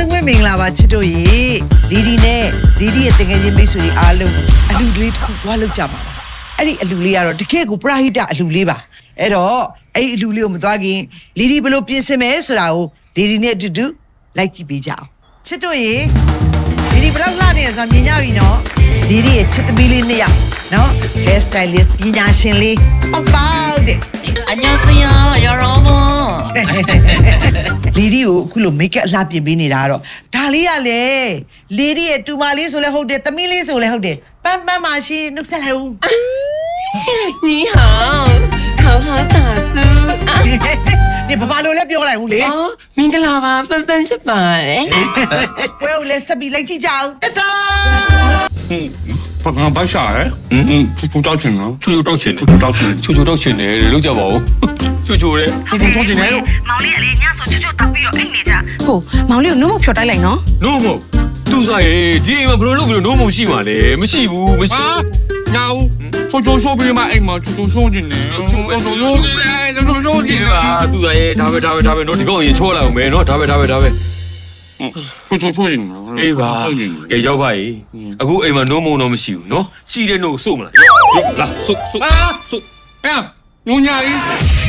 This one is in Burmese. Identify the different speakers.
Speaker 1: လုံးပဲမင်္ဂလာပါချစ်တို့ရေလီဒီနဲ့လီဒီရဲ့တကယ်ချင်းမိတ်ဆွေတွေအားလုံးအလူလေးတစ်ခုသွားလောက်ကြပါလားအဲ့ဒီအလူလေးကတော့တကယ်ကိုပရာဟိတအလူလေးပါအဲ့တော့အဲ့ဒီအလူလေးကိုမသွားခင်လီဒီဘယ်လိုပြင်ဆင်မဲဆိုတာကိုလီဒီနဲ့အတူတူလိုက်ကြည့်ပေးကြအောင်ချစ်တို့ရေလီဒီဘယ်လောက်လှနေရဆိုတာမြင်ကြပြီနော်လီဒီရဲ့ချစ်သမီးလေးနှစ်ယောက်နော် hair stylist ပညာရှင်လေးအပေါက်တဲ့
Speaker 2: 안녕하세요 여러분
Speaker 1: လီဒီကိုအခုလို make up အလှပြင်ပေးနေတာကတော့ဒါလေးကလေလီဒီရဲ့တူမလေးဆိုလဲဟုတ်တယ်သမီးလေးဆိုလဲဟုတ်တယ်ပန်းပန်းပါရှင်နှုတ်ဆက်လိုက်ဦး
Speaker 2: 你好好好打书
Speaker 1: နေဘာလို့လဲပြောလိုက်ဦးလေ
Speaker 2: မင်္ဂလာပါပန်းပန်းဖြစ်ပါတယ်
Speaker 1: ဘယ်လိုလဲဆက်ပြီးလိုက်ကြည့်ကြအောင်တတော်
Speaker 3: ဘာဘာရှာလဲချိုတောက်ချင်နော်ချိုတောက်ချင်တယ်
Speaker 4: ချိုတောက်ချင်တယ်လို့ကြပါဦးချိုလေ
Speaker 3: ချိုချင်တယ်လို့
Speaker 5: မောင်လေးကလေညဆိုချိုတောက်ပြီးတော့အိတ်နေကြ
Speaker 6: ကိုမောင်လေးကိုနှုတ်မဖြော်တိုက်လိုက်နော်
Speaker 4: နို့မို့သူ့စားရဲ့ဒီအိမ်မှာဘယ်လိုလုပ်ပြီးနို့မို့ရှိမှာလဲမရှိဘူးမရှိ
Speaker 3: ညာဦးချိုပြီးမှအိမ်မှာချိုချင်တယ်ချိုချင်တယ်
Speaker 4: သူ့စားရဲ့ဒါပဲနော်ဒီကောင်ရင်ချောလာအောင်မယ်နော်ဒါပဲ
Speaker 3: ချိုရင်
Speaker 4: အေးပါကဲရောက်ပါ E အခုအိမ်မှာနို့မို့တော့မရှိဘူးနော်ရှိတဲ့နို့စို့မလားလာစို့
Speaker 3: 哎呀，牛娘哩。